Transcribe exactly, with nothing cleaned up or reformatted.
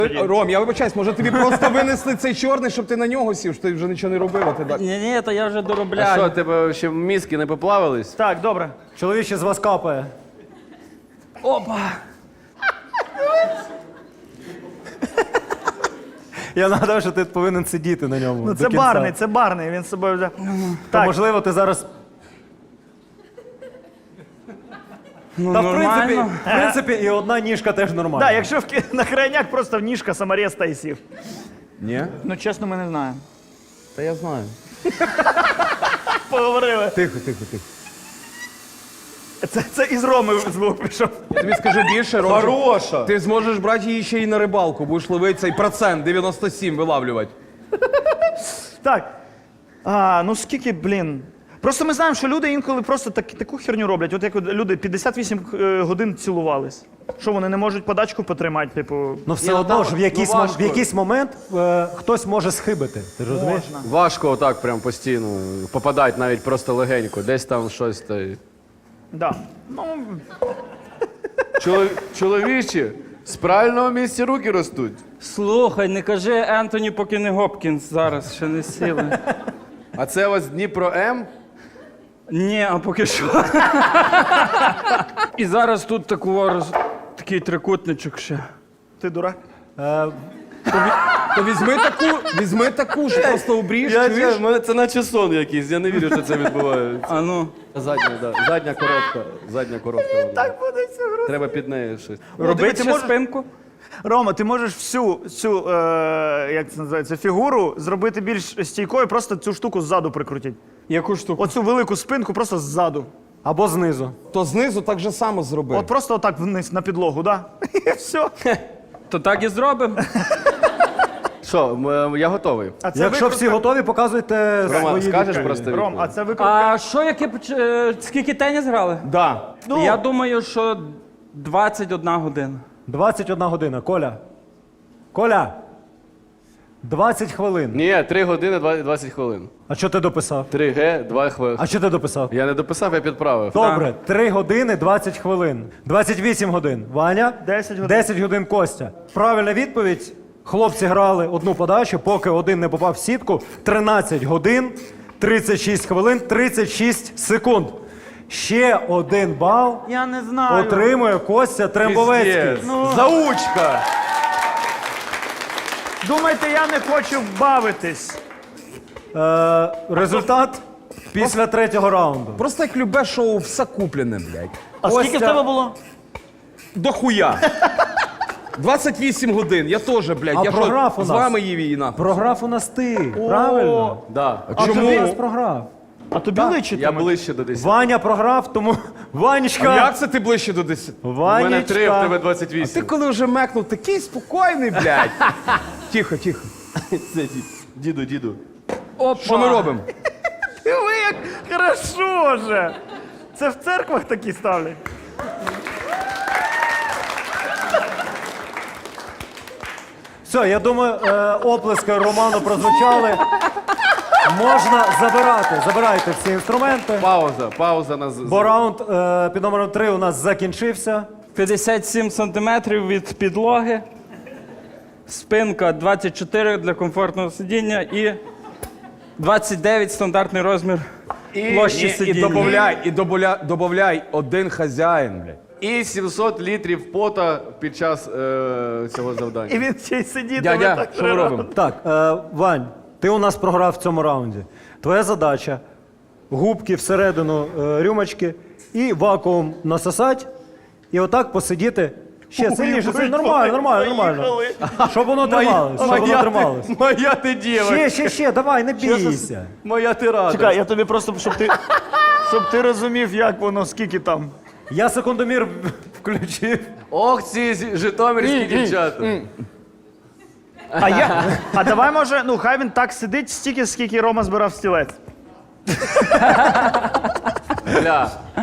Ром, я вибачаюсь, може тобі просто винесли цей чорний, щоб ти на нього сів, що ти вже нічого не робив, а ти так. Ні, ні, то я вже А доробляю. що, тебе ще мізки не поплавились? Так, добре. Чоловіче з вас капає. Опа! Я нагадав, що ти повинен сидіти на ньому. Ну до це кінця. барний, це барний, він з собою вже. То, Так, можливо, ти зараз. Ну, Та в принципі, нормально. в принципі, і одна ніжка теж нормальна. да, якщо в ки- на крайняк просто в ніжка самореста і сів. Ні? Ну чесно, ми не знаємо. Та я знаю. Поговорили. Тихо, тихо, тихо. Це, це із Роми звук пішов. Тобі скажу більше, Ром. Хороша! Ти зможеш брати її ще й на рибалку, будеш ловити цей процент дев'яносто сім вилавлювати. Так. А, ну скільки, блін. Просто ми знаємо, що люди інколи просто так, таку херню роблять. От як от люди п'ятдесят вісім е, годин цілувались. Що вони не можуть подачку потримати, типу. Ну все Ні, ну, одно там- ж в якийсь, ну, мом- важко. в якийсь момент е, хтось може схибити. Ти ж розумієш? Можна. Важко отак прям постійно попадати навіть просто легенько. Десь там щось. Та... й- Да. Ну, Чолов... Чоловічі, з правильного місця руки ростуть. Слухай, не кажи Ентоні, поки не Гопкінс зараз ще не сіли. А це у вас Дніпро М? Ні, а поки що. І зараз тут таку, роз... такий трикутничок ще. ти дурак. Е, То візьми таку, візьми таку ж, просто обріж, чуєш? мене це наче сон якийсь, я не вірю, що це відбувається. А ну. Задня, да. Задня коротка. Задня коротка. вона. Так буде все гру. Треба під нею щось. Робити ти ще можеш- спинку? Рома, ти можеш всю цю, е, як це називається, фігуру зробити більш стійкою, просто цю штуку ззаду прикрутити. Яку штуку? Оцю велику спинку просто ззаду. або знизу. То знизу так же само зроби. От просто отак вниз на підлогу, да? І все. То так і зробимо. Що, м- я готовий. А це Якщо викрутка- всі готові, показуйте Рома, свої скажеш відповіді. просто Ром, відповідь? а це викрутка. А що, яке, поч- е, скільки теніс грали? Да. Ну, Я думаю, що двадцять одна година. двадцять одна година. Коля. Коля. двадцять хвилин. Ні, три години двадцять хвилин. А що ти дописав? три ге, два хвилини. А що ти дописав? Я не дописав, я підправив. Добре, три години двадцять хвилин. двадцять вісім годин. Ваня? десять годин. десять годин Костя. Правильна відповідь. Хлопці грали одну подачу, поки один не попав в сітку. тринадцять годин, тридцять шість хвилин, тридцять шість секунд. Ще один бал Я не знаю. отримує Костя Трембовецький. Піздець. Ну. Заучка! Думаєте, я не хочу бавитись. Е, результат після третього раунду. Просто як любе шоу, все куплене, блядь. А Костя- скільки в тебе було? До хуя. двадцять вісім годин, я теж, блядь. А я програв що, у з нас? вами їв її нахуй. Програв у нас ти, правильно? Да. А чому? тобі нас програв. А тобі личить? Я ближче до десяти. Ваня програв, тому Ванечка. Як це ти ближче до десяти? У Ванечка. мене три, в тебе двадцять Ти вісім. коли вже мекнув, такий спокійний, блядь. Тихо, тихо. Це дід. Діду, діду. Опа. Що ми робимо? Ви як хорошо же. Це в церквах такі ставлять. Все, я думаю, е, оплески Роману прозвучали. Можна забирати. Забирайте всі інструменти. Пауза, пауза на з- Бо раунд е, під номером три у нас закінчився. п'ятдесят сім сантиметрів від підлоги. Спинка двадцять чотири для комфортного сидіння і двадцять дев'ять стандартний розмір площі і, і сидіння. добавляй, і добавляй, добавляй один хазяїн, блядь. І сімсот літрів пота під час е, цього завдання. І він ще й сидітиме Дядя, так що ми три робимо? Так, е, Вань, ти у нас програв в цьому раунді. Твоя задача губки всередину е, рюмочки і вакуум насосати, і отак посидіти. Ще сильніше, це нормально, нормально, нормально. Щоб воно трималось, щоб воно трималось. Моя ти діва. Ще, ще, ще, давай, не бійся. Моя ти рада. Чекай, я тобі просто, щоб ти, щоб ти розумів, як воно, скільки там. Я секундомір включив. Ох, ці зі- житомирські дівчата. А я. А давай може, ну хай він так сидить стільки, скільки Рома збирав стілець. Бля,